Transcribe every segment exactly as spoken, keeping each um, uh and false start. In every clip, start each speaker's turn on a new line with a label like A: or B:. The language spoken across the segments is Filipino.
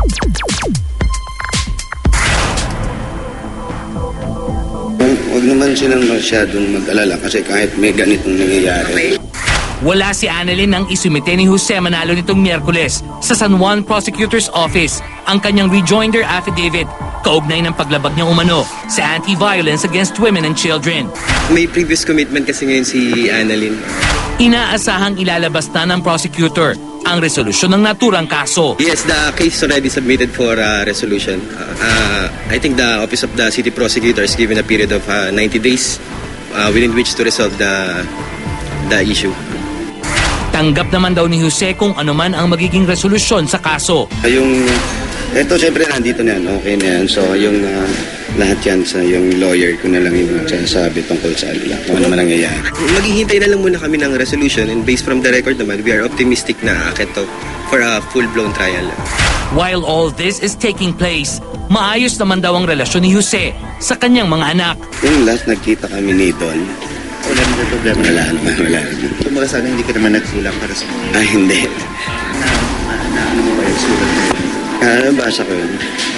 A: Huwag naman silang masyadong mag-alala kasi kahit may ganitong nangyayari.
B: Wala si Annalyn nang isumite ni Jose Manalo nitong Miyerkules sa San Juan Prosecutor's Office ang kanyang rejoinder affidavit kaugnay ng paglabag niya umano sa anti-violence against women and children.
C: May previous commitment kasi ngayon si Annalyn.
B: Inaasahang ilalabas na ng prosecutor ang resolusyon ng naturang kaso.
C: Yes, the case is already submitted for uh, resolution. Uh, uh, I think the Office of the City Prosecutor is given a period of uh, ninety days uh, within which to resolve the, the issue.
B: Tanggap naman daw ni Jose kung ano man ang magiging resolusyon sa kaso.
A: Yung, eto syempre nandito na yan, okay na yan. So yung uh, lahat yan sa yung lawyer ko na lang yung sasabi tungkol sa alila, kung ano man nangyayari.
C: Maghihintay na lang muna kami ng resolution and based from the record naman, we are optimistic na aakit to for a full-blown trial.
B: While all this is taking place, maayos naman daw ang relasyon ni Jose sa kanyang mga anak.
A: Yung last nagkita kami ni Don,
D: wala naman problema.
A: Wala naman, wala naman.
D: Kumbaga sana hindi ka naman nagsulang para sa mga.
A: Ah, hindi.
D: Na, na ano mo ba yung sulat?
A: Ah, nabasa ko yun.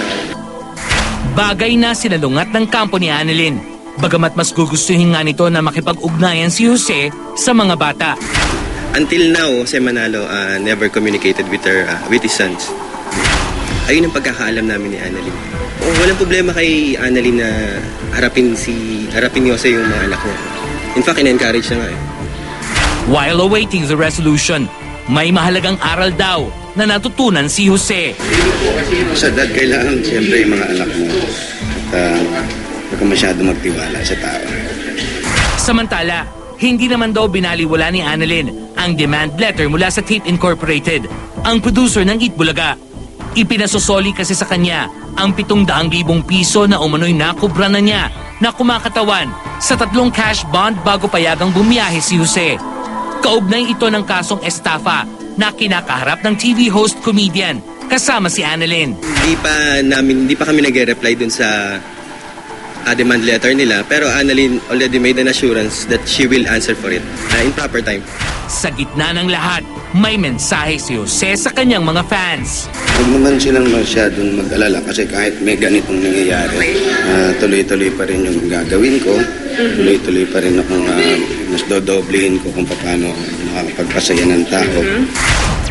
B: Bagay na sinalungat ng kampo ni Annalyn. Bagamat mas gugustuhin nga nito na makipag-ugnayan si Jose sa mga bata.
C: Until now, si Manalo uh, never communicated with her, uh, with his sons. Ayun ang pagkakaalam namin ni Annalyn. Oh, walang problema kay Annalyn na harapin si harapin ni Jose yung mga anak niya. In fact, in-encourage na nga eh.
B: While awaiting the resolution, may mahalagang aral daw na natutunan si Jose.
A: Sa dad, kailangan siyempre yung mga anak mo. At uh, huwag ka masyado magtiwala sa tao.
B: Samantala, hindi naman daw binaliwala ni Annalyn ang demand letter mula sa Tape Incorporated, ang producer ng Eat Bulaga. Ipinasosoli kasi sa kanya ang pitong daang libong piso na umano'y nakubra na niya na kumakatawan sa tatlong cash bond bago payagang bumiyahe si Jose. Kaugnay ito ng kasong estafa na kinakaharap ng T V host comedian kasama si Annalyn.
C: Hindi pa namin, hindi pa kami nag-reply dun sa uh, demand letter nila, pero Annalyn already made an assurance that she will answer for it uh, in proper time.
B: Sa gitna ng lahat, may mensahe si Jose sa kanyang mga fans.
A: Huwag naman silang masyadong mag-alala kasi kahit may ganitong nangyayari, uh, tuloy-tuloy pa rin yung gagawin ko. Tuloy-tuloy pa rin akong uh, mas dodoblehin ko kung paano makakapagpasaya ng tao.